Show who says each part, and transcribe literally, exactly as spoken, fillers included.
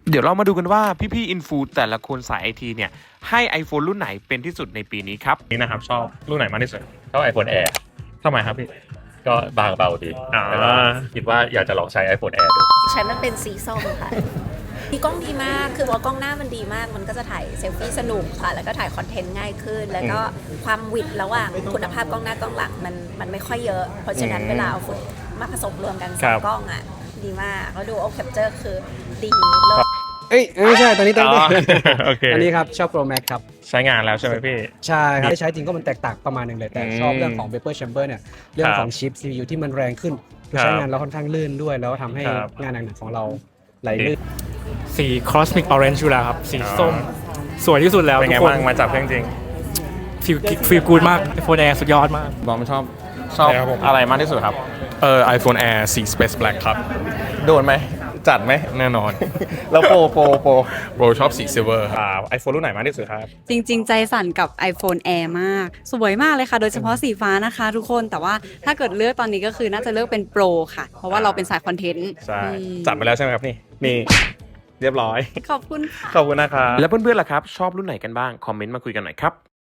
Speaker 1: เดี๋ยวเรามาดูกันว่าพี่ๆอินฟูแต่ละคนสายไอทีเนี่ยให้ iPhone รุ่นไหนเป็นที่สุดในปีนี้ครับ
Speaker 2: นี่นะครับชอบรุ่นไหนมากที่สุดชอบ iPhone Air
Speaker 1: ทำไมครับพี่
Speaker 2: ก็บางเบาดีแล้วก็คิดว่าอยากจะลองใช้ iPhone Air ดู
Speaker 3: ฉันมันเป็นสีส้มค่ะมีกล้องดีมากคือว่ากล้องหน้ามันดีมากมันก็จะถ่ายเซลฟี่สนุกค่ะแล้วก็ถ่ายคอนเทนต์ง่ายขึ้นแล้วก็ความวิดระหว่างคุณภาพกล้องหน้ากล้องหลังมันมันไม่ค่อยเยอะเพราะฉะนั้นเวลาเอาฟุตมาผสมรวมกันสองกล้องอ่ะดีมากแล้วดูโอแคปเจอร์คือดีเลิศ
Speaker 4: เอ้ยไม่ใช่ตอนนี้ต้อง
Speaker 2: โอเค
Speaker 4: อันนี้ครับชอบ Pro Max ครับ
Speaker 2: ใช้งานแล้วใช่ไหมพี่
Speaker 4: ใช่ครับใช้จริงก็มันแตกต่างประมาณหนึ่งเลยแต่ชอบเรื่องของ Vapor Chamber เนี่ยเรื่องของชิป ซี พี ยู ที่มันแรงขึ้นใช้งานแล้วค่อนข้างลื่นด้วยแล้วทำให้งานหนักๆของเราไหลลื่น
Speaker 5: สี Cosmic Orange อยู่แล้วครับสีส้มสวยที่สุดแล้ว
Speaker 2: เป็นไง
Speaker 5: ทุกคน
Speaker 2: บ้างมาจับเครื่องจริง
Speaker 5: ฟิลฟิลกูดมาก iPhone Air สุดยอดมาก
Speaker 6: บอมชอบชอบอะไรมากที่สุดครับเออ iPhone Air สี Space Black ครับโดนไหมจัดไหมแน่นอน แล้วโปรโปรโปรโปรชอบสี Silver ครับ
Speaker 2: อ่า iPhone รุ่นไหนมากที่สุดครับ
Speaker 7: จริงๆใจสั่นกับ iPhone Air มากสวยมากเลยค่ะโดยเฉพาะสีฟ้านะคะทุกคนแต่ว่าถ้าเกิดเลือกตอนนี้ก็คือน่าจะเลือกเป็น Pro ค่ะเพราะว่าเราเป็นสายคอนเทนต์
Speaker 2: ใช่จัดไปแล้วใช่ไหมครับนี่นี่เรียบร้อย
Speaker 7: ขอบคุณค่ะ
Speaker 2: ขอบคุณนะครับ
Speaker 1: แล้วเพื่อนๆล่ะครับชอบรุ่นไหนกันบ้างคอมเมนต์มาคุยกันหน่อยครับ